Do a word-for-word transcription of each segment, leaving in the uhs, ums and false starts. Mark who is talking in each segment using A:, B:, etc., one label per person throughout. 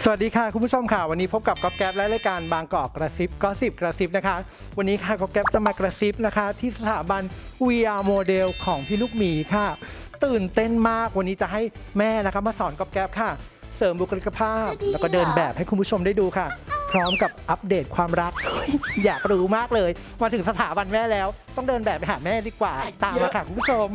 A: สวัสดีค่ะคุณผู้ชมค่ะวันนี้พบกับก๊อฟแก๊ปและรายการบางกอกกระซิบก็สิบกระซิบนะคะวันนี้ค่ะก๊อฟแก๊ปจะมากระซิบนะคะที่สถาบัน วี อาร์ โมเดลของพี่ลูกหมีค่ะตื่นเต้นมากวันนี้จะให้แม่นะคะมาสอนก๊อฟแก๊ปค่ะเสริมบุคลิกภาพแล้วก็เดินแบบให้คุณผู้ชมได้ดูค่ะพร้อมกับอัปเดตความรัก อยากรู้มากเลยมาถึงสถาบันแม่แล้วต้องเดินแบบไปหาแม่ดีกว่าตามมาค่ะคุณผู้ชม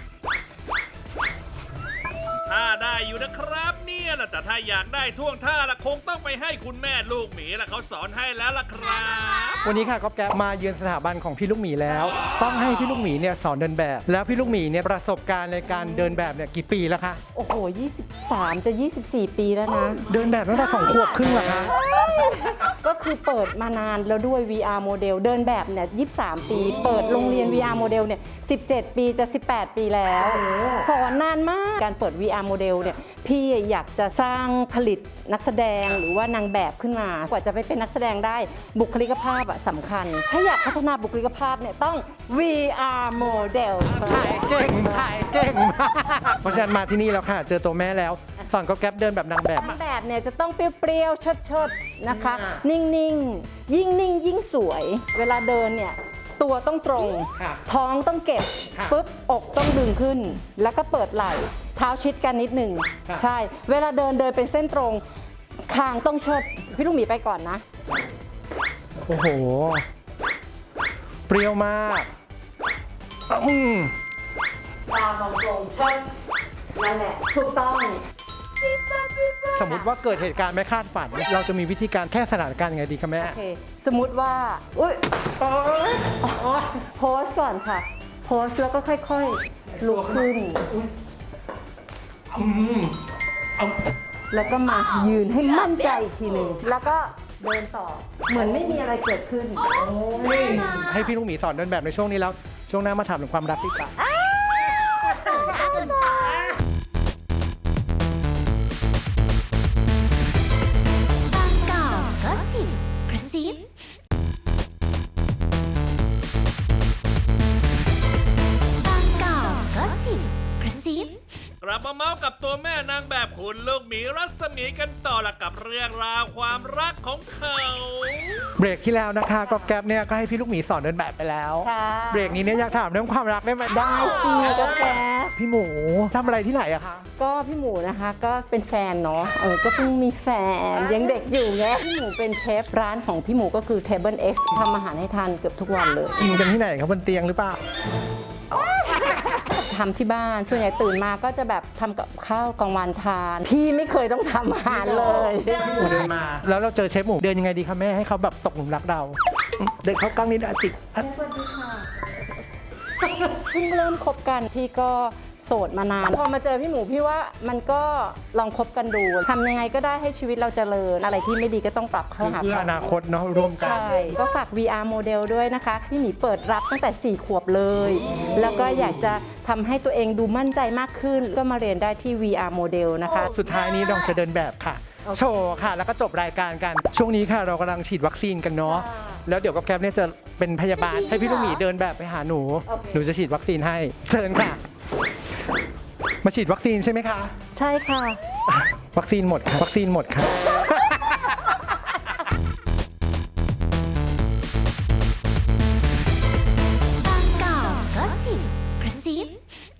B: ถ้าได้อยู่นะครับเนี่ยแหละแต่ถ้าอยากได้ท่วงท่าละคงต้องไปให้คุณแม่ลูกหมีละเขาสอนให้แล้วล่ะครับ
A: วันนี้ค่ะก๊อฟแก๊ปมาเยือนสถาบันของพี่ลูกหมีแล้วต้องให้พี่ลูกหมีเนี่ยสอนเดินแบบแล้วพี่ลูกหมีเนี่ยประสบการณ์ในการเดินแบบเนี่ยกี่ปีแล้วคะ
C: โอ้โหยี่สิบสามจะยี่สิบสี่ปีแล้วนะ
A: เดินแบบตั้งแต่สองขวบครึ่งเหรอคะ
C: ก็คือเปิดมานานแล้วด้วย วี อาร์ โมเดลเดินแบบเนี่ยยี่สิบสามปีเปิดโรงเรียน วี อาร์ โมเดลเนี่ยสิบเจ็ดปีจะสิบแปดปีแล้วสอนนานมากการเปิด วี อาร์ โมเดลเนี่ยพี่อยากจะสร้างผลิตนักแสดงหรือว่านางแบบขึ้นมากว่าจะไปเป็นนักแสดงได้บุคลิกภาพอะสำคัญถ้าอยากพัฒนาบุคลิกภาพเนี่ยต้อง วี อาร์ โมเดล
A: ถ่ายเก่งถ่ายเก่งเพราะฉะนั้นมาที่นี่แล้วค่ะเจอตัวแม่แล้วสอนก๊อฟแก๊ปเดินแบบนางแบบ
C: นางแบบเนี่ยจะต้องเปรี้ยวๆชดๆนะคะนิ่งๆยิ่งนิ่งยิ่งสวยเวลาเดินเนี่ยตัวต้องตรงท้องต้องเก็บปุ๊บอกต้องดึงขึ้นแล้วก็เปิดไหล่เท้าชิดกันนิดหนึ่งใช่เวลาเดินเดินเป็นเส้นตรงคางต้องเชิดพี่ลูกหมีไปก่อนนะ
A: โอ้โหเปรี้ยวมากอืม
C: ตามองตรงเชิดนั่นแหละถูกต้อง
A: สมมุติว่าเกิดเหตุการณ์ไม่คาดฝันเราจะมีวิธีการแก้สถานการณ์ยังไงดีคะแม่
C: โอเคสมมุติว่าอุ้ยโพสก่อนค่ะโพสแล้วก็ค่อยๆลุกขึ้นแล้วก็มายืนให้มั่นใจอีกทีหนึ่งแล้วก็เดินต่อเหมือนไม่มีอะไรเกิดขึ้น
A: ให้พี่ลูกหมีสอนเดินแบบในช่วงนี้แล้วช่วงหน้ามาถามถึงความรักดีกว่า
D: กระซิบกระซิบ
B: กลับมาเมาส์กับตัวแม่นางแบบคุณลูกหมีรัศมีกันต่อละกับเรื่องราวความรักของเขา
A: เบรกที่แล้วนะคะก็แก๊ปเนี่ยก็ให้พี่ลูกหมีสอนเดินแบบไปแล้วเบรกนี้เนี่ยอยากถามเรื่องความรักได้ไหม
C: ได้สิก็แก๊ป
A: พี่หมูทำอะไรที่ไหนอะคะ
C: ก็พี่หมูนะคะก็เป็นแฟนเนาะเออก็เพิ่งมีแฟนยังเด็กอยู่ไงพี่หมูเป็นเชฟร้านของพี่หมูก็คือ Table X ทำอาหารให้ทานเกือบทุกวันเลย
A: กินกันที่ไหนครับบนเตียงหรือเปล่า
C: ทำที่บ้านส่วนใหญ่ตื่นมาก็จะแบบทำกับข้าวกลางวันทานพี่ไม่เคยต้องทำอาหารเลย
A: เดินมาแล้วเราเจอเชฟหมูเดินยังไงดีคะแม่ให้เขาแบบตกหลุมรักเราเดินเข้ากล้องนิดอาจิก
C: สวัสดีค่ะเพิ่งเริ่มคบกันพี่ก็โสดมานานพอมาเจอพี่หมูพี่ว่ามันก็ลองคบกันดูทำยังไงก็ได้ให้ชีวิตเราเจริญอะไรที่ไม่ดีก็ต้องปรับเข้าหา
A: เพื่ออนาคตเนาะร่วมกัน
C: ใช่ก็ฝาก วี อาร์ โมเดลด้วยนะคะพี่หมีเปิดรับตั้งแต่สี่ขวบเลยแล้วก็อยากจะทำให้ตัวเองดูมั่นใจมากขึ้นก็มาเรียนได้ที่ วี อาร์ โมเดลนะคะ
A: สุดท้ายนี้เราจะเดินแบบค่ะโชว์ค่ะแล้วก็จบรายการกันช่วงนี้ค่ะเรากำลังฉีดวัคซีนกันเนาะแล้วเดี๋ยวกับแก๊ปเนี่ยจะเป็นพยาบาลให้พี่ลูกหมีเดินแบบไปหาหนูหนูจะฉีดวัคซีนให้เชิญค่ะมาฉีดวัคซีนใช่ไหมคะ
C: ใช่ค่ะ
A: วัคซีนหมดค่ะวัคซีนหมดค่ะ
D: บางกอกก็สิบกระซิบ